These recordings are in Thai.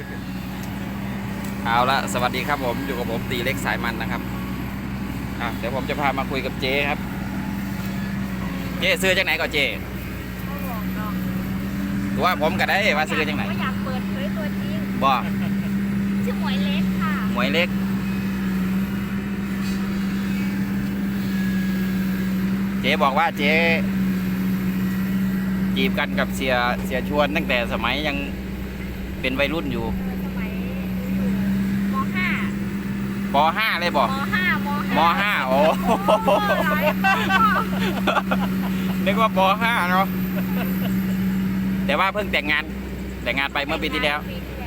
เอาละสวัสดีครับผมอยู่กับผมตีเล็กสายมันนะครับเดี๋ยวผมจะพามาคุยกับเจ๊ครับเจ๊ซื้อจากไหนก่อนเจ๊เขาบอกเนาะตัวผมก็ได้ว่าซื้อจากไหนอยากเปิดเผยตัวจริงบ่ชื่อหมวยเล็กค่ะหมวยเล็กเจ๊บอกว่าเจ๊จีบกันกับเสียชวนตั้งแต่สมัยยังเป็นวัยรุ่นอยู่สมัยอยู่มป .5 เลยบอกม .5 โอ้นึกว่าป .5 เนาะแต่ว่าเพิ่งแต่งงานไปเมื่อปีที่แล้ว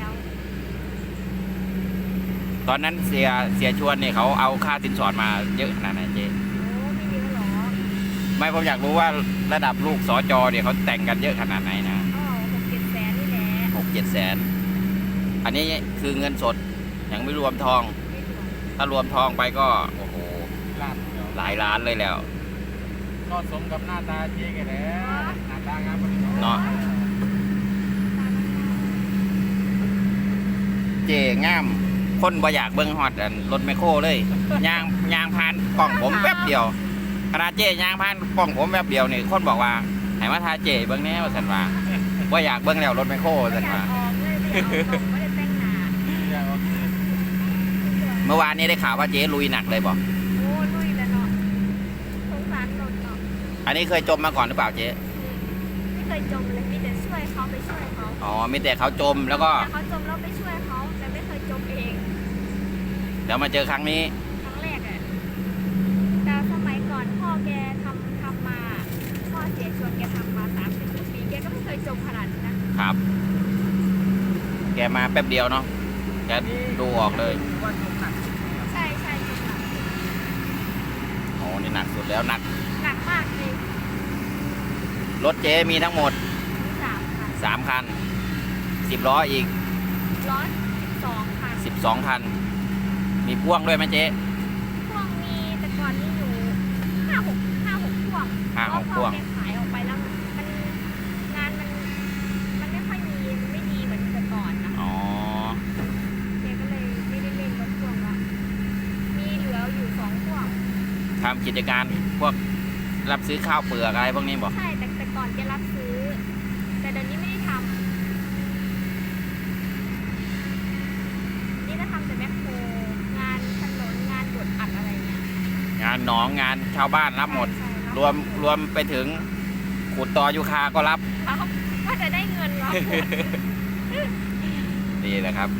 ตอนนั้นเสียชวนเนี่ยเขาเอาค่าสินสอดมาเยอะขนาดไหนเจ๊ไม่เยอะหรอไม่ผมอยากรู้ว่าระดับลูกสจเนี่ยเขาแต่งกันเยอะขนาดไหนนะ 6-7 แสนนี่แหละ 6-7 แสนอันนี้คือเงินสดยังไม่รวมทองถ้ารวมทองไปก็โอ้โหหลายล้านเลยแล้วก็สมกับหน้าตาเจ๊กันแล้วหน้าตางามเนาะเจ๊งามคนบ่อยากเบิ้งฮอดรถแมคโครเลยยางผ่านกล่องผมแป๊บเดียวขนาดเจ๊ยางผ่านกล่องผมแป๊บเดียวนี่คนบอกว่าให้มาทาเจ๊เบิ้งแน่ว่าสันว่าบ่อยากเบิ้งแล้วรถแมคโครสันว่าเมื่อวานนี้ได้ข่าวว่าเจ๊ลุยหนักเลยบอกโอ้ลุยแล้วเนาะสงสารรถเนาะอันนี้เคยจมมาก่อนหรือเปล่าเจ๊ไม่เคยจมเลยมีแต่ช่วยเขาไปช่วยเขาอ๋อมีแต่เขาจมแล้วก็เขาจมแล้วไปช่วยเขาแต่ไม่เคยจมเองเดี๋ยวมาเจอครั้งนี้ครั้งแรกอ่ะแต่สมัยก่อนพ่อแกทำมาพ่อเสียชวนแกทำมา30 ปีแกก็ไม่เคยจมขนาดนี้นะครับแกมาแป๊บเดียวเนาะแกดูออกเลยใช่จมหนักโอ้นี่หนักสุดแล้วหนักมากจริงรถเจ๊มีทั้งหมด3 คัน10 ล้ออีก 12 คันมีพ่วงด้วยไหมเจ๊พ่วงมีแต่ก่อนนี่อยู่5-6 พ่วงพ่วงขายออกไปแล้วงานมันไม่ค่อยมีไม่ดีเหมือนแต่ก่อนนะอ๋อแกก็เลยไม่ได้เล่นรถพ่วงละมีเหลืออยู่2 พ่วงทำกิจการพวกรับซื้อข้าวเปลือกอะไรพวกนี้บอกใช่แต่ก่อนแกรับซื้อแต่เดี๋ยวนี้ไม่ได้ทำนี่ก็ทำแต่แมคโครงานถนนงานบดอัดอะไรเนี่ยงานหนองงานชาวบ้านรับหมดรวมไปถึงขุดตอยูคาก็รับว่าจะได้เงินหรอนี่แหละครับ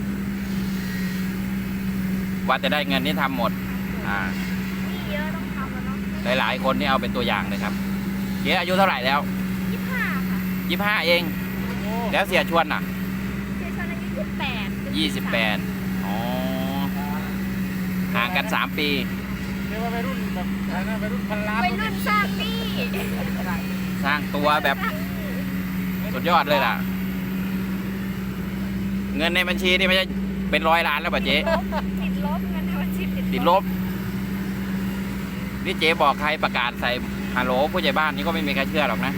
ว่าจะได้เงินนี่ทำหมดนี่เยอะต้องทำแล้วเนาะหลายคนนี่เอาเป็นตัวอย่างเลยครับเจ๊อายุเท่าไหร่แล้ว 25ค่ะ 25เองแล้วเสียชวนอ่ะเสียชวนอายุ 28อ๋อห่างกัน3 ปีเรียกว่าวัยรุ่นแบบวัยรุ่นพันล้านวัยรุ่นสร้างหนี้สร้างตัวแบบสุดยอดเลยล่ะเงินในบัญชีนี่ไม่ใช่เป็น100 ล้านแล้วป่ะเจ๊ติดลบเงินในบัญชีติดลบนี่เจ๊บอกใครประกาศใส่ฮัลโหลผู้ใหญ่บ้านนี่ก็ไม่มีใครเชื่อหรอกนะ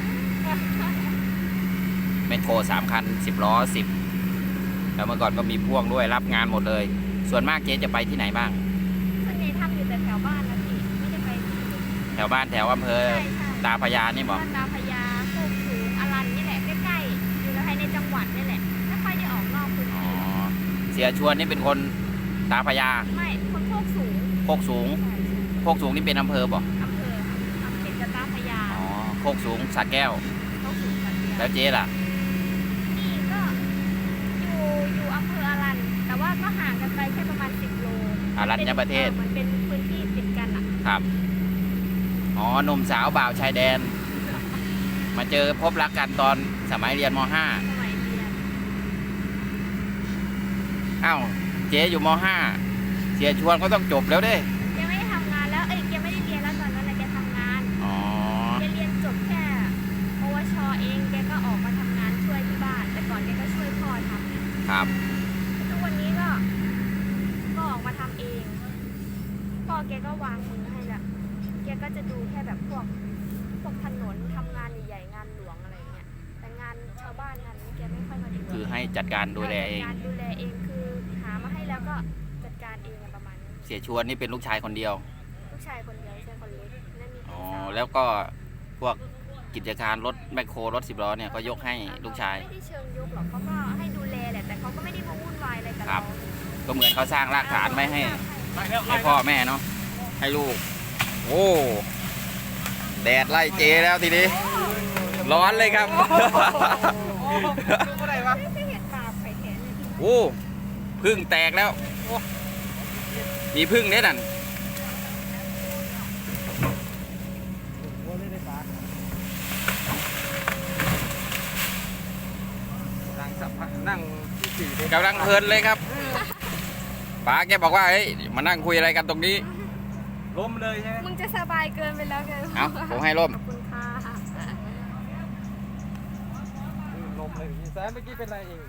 แมคโคร3 คัน10 ล้อ10แล้วเมื่อก่อนก็มีพ่วงด้วยรับงานหมดเลยส่วนมากเจ๊จะไปที่ไหนบ้างส่วนใหญ่ทำอยู่แต่แถวบ้านนะพี่ไม่ได้ไปแถวบ้านแถวอำเภอตาพญานี่บอกตาพญาโคกสูงอรัญนี่แหละใกล้ๆอยู่ภายในจังหวัดนี่แหละไม่ค่อยได้ออกนอกพื้นที่เสียชวนนี่เป็นคนตาพญาไม่คนโคกสูงโคกสูงนี่เป็นอำเภอบอกอำเภอตาพญาโคกสูงสระแก้วแล้วเจ๊ล่ะนี่ก็อยู่อำเภออรัญแต่ว่าก็ห่างกันไปแค่ประมาณ10 โลอรัญญประเทศมันเป็นพื้นที่ติดกันอ่ะครับหนุ่มสาวบ่าวชายแดนมาเจอพบรักกันตอนสมัยเรียนม.5อ้าวเจ๊อยู่ม.5เสียชวนก็ต้องจบแล้วเด้แกไม่ได้ทำงานแล้วแกไม่ได้เรียนแล้วตอนนั้นแกทำงานแกเรียนจบแค่ปวชเองแกก็ออกมาทำงานช่วยที่บ้านแต่ก่อนแกก็ช่วยพ่อทำครับทุกวันนี้ก็ออกมาทำเองพ่อแกก็วางมือให้ละแกก็จะดูแค่แบบพวกถนนทำงานใหญ่ๆงานหลวงอะไรเงี้ยแต่งานชาวบ้านงานนี้แกไม่ค่อยมาดูคือให้จัดการดูแลเองดูแลเองเองอะประมาณนี้เสียชวนนี่เป็นลูกชายคนเดียวลูกชายคนเดียวใช่คนเล็กนั่นมีอ๋อพี่สาวแล้วก็พวกกิจการรถแมคโครรถ10 ล้อเนี่ยก็ยกให้ลูกชายไม่ได้เชิงยกหรอกเขาก็ให้ดูแลแหละแต่เขาก็ไม่ได้มาวุ่นวายอะไรกับครัเราบ ก็เหมือนเขาสร้างรากฐานไม่ให้ไปแล้วให้พ่อแม่เนาะให้ลูก โอ้แดดไล่เจแล้วทีนี้ ร้อนเลยครับโอ้ดูเมื่อไหร่วะไม่เห็นบาปไข่แขนเลยโอ้พึ่งแตกแล้ว มีพึ่งเนี่ยนั่นโอ้ได้ได้ปะนั่งสัมภาษณ์นั่งที่สี่เลยกำลังเพลินเลยครับป๋าแกบอกว่าเฮ้ยมานั่งคุยอะไรกันตรงนี้ล้มเลยใช่ไหมมึงจะสบายเกินไปแล้วไงเอาผมให้ร่มขอบคุณค่ะล้มเลยพี่แซมเมื่อกี้เป็นไรเอง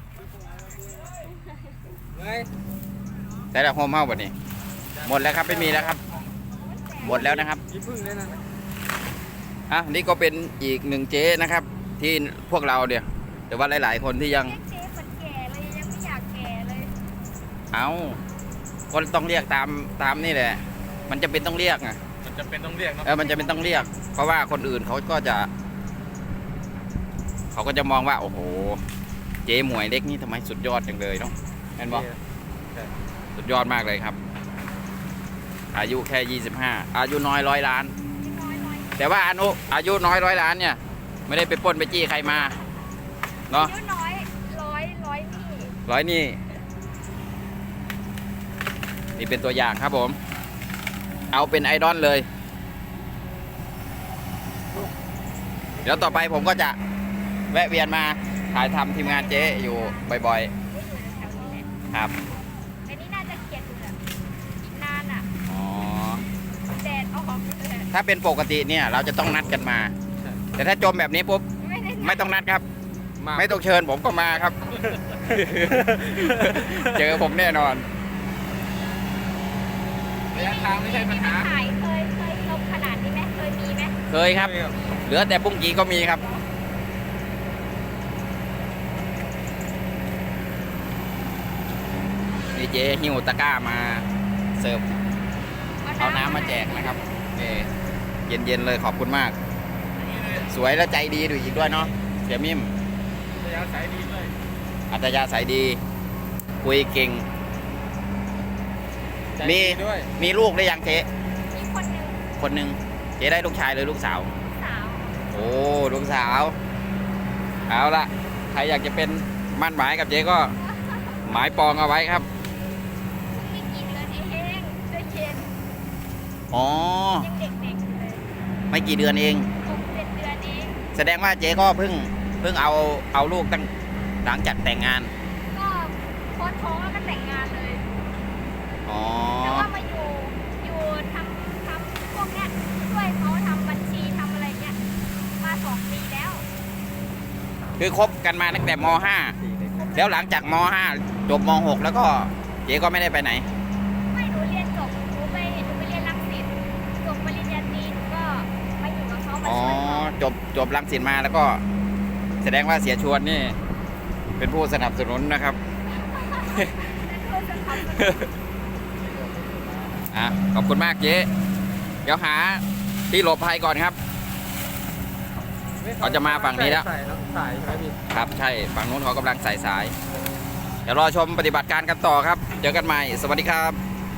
ไงแต่ละโฮมเฮ้าแบบนี้ หมดแล้วครับไม่มีแล้วครับ หมดแล้วนะครับยี่พึ่งเลยนะอ่ะนี่ก็เป็นอีกหนึ่งเจ๊นะครับ ที่พวกเราเนี่ยหรือว่าหลาย ๆ คนที่ยังเรียกเจ๊คนแก่เลยยังไม่อยากแก่เลยเอาก็ต้องเรียกตามนี่แหละ มันจะเป็นต้องเรียกไงมันจะเป็นต้องเรียกเนาะมันจะเป็นต้องเรียก เพราะว่าคนอื่นเขาก็จะมองว่าโอ้โหเจ๊หมวยเล็กนี่ทำไมสุดยอดจังเลยเนาะเห็นบอกสุดยอดมากเลยครับ อายุแค่25อายุน้อย100 ล้านน้อยแต่ว่าอายุน้อย100 ล้านเนี่ย ไม่ได้ไปปล้นไปจี้ใครมาเนาะอายุน้อยร้อยนี่ร้อยนี่นี่เป็นตัวอย่างครับผม เอาเป็นไอดอลเลย เดี๋ยวต่อไปผมก็จะแวะเวียนมาถ่ายทำทีมงานเจ๊อยู่บ่อยไม่อยู่แถวนี้แหละๆครับแต่นี่น่าจะเกลียดอยู่แหละอีกนานอ่ะอ๋อแดดออกเลยถ้าเป็นปกติเนี่ยเราจะต้องนัดกันมา แต่ถ้าจมแบบนี้ปุ๊บไม่ได้ไม่ต้องนัดครับมาไม่ต้องเชิญผมก็มาครับ เจอผมแน่นอนระยะทางไม่ใช่ปัญหาถ่ายเคยลงขนาดนี้ไหมเคยมีไหมเคยครับ เหลือแต่ปุ้งกีก็มีครับ นี่เจ๊หิ้วตะกร้ามาเสิร์ฟเอาน้ำมาแจกนะครับนี่เย็นๆเลยขอบคุณมาก สวยและใจดีดูอีกด้วยเนาะเสียมิมระยะสายดีด้วยอัตยาสายดี คุยเก่งใจมีดีด้วยมีลูกได้ยังเจ๊มีคนหนึ่งคนหนึ่งเจ๊ได้ลูกชายหรือลูกสาวสาวโอ้ลูกสาว เอาละใครอยากจะเป็นมั่นหมายกับเจ๊ก็หมายปองเอาไว้ครับไม่กี่เดือนเองใจเย็นอ๋อยังเด็กๆอยู่เลยไม่กี่เดือนเอง 6-7 เดือนเองแสดงว่าเจ๊ก็เพิ่งเอาลูกตั้งหลังจากแต่งงานก็โพสต์ท้องแล้วก็แต่งงานเลยอ๋อแต่ว่ามาอยู่ทำพวกเนี้ยช่วยเขาทำบัญชีทำอะไรเงี้ยมา2 ปีแล้วคือคบกันมาตั้งแต่ม .5 แล้วหลังจากม .5 จบม .6 แล้วก็เจ๊ก็ไม่ได้ไปไหนไม่หนูเรียนจบหนูไปเรียนรังสิตจบปริญญาตรีหนูก็มาอยู่กับเขามาอ๋อช่วยเขาจบรังสิตมาแล้วก็ แสดงว่าเสียชวนนี่ เป็นผู้สนับสนุนนะครับ อ่ะขอบคุณมากเจ๊เดี๋ยวหาที่หลบภัยก่อนครับ เขาจะมาฝั่งนี้แล้วใส่เนอะสายใช่ไหมพี่ครับใช่ฝั่งนู้นเขากำลังใส่สาย เดี๋ยวรอชมปฏิบัติการกันต่อครับ เจอกันใหม่ สวัสดีครับ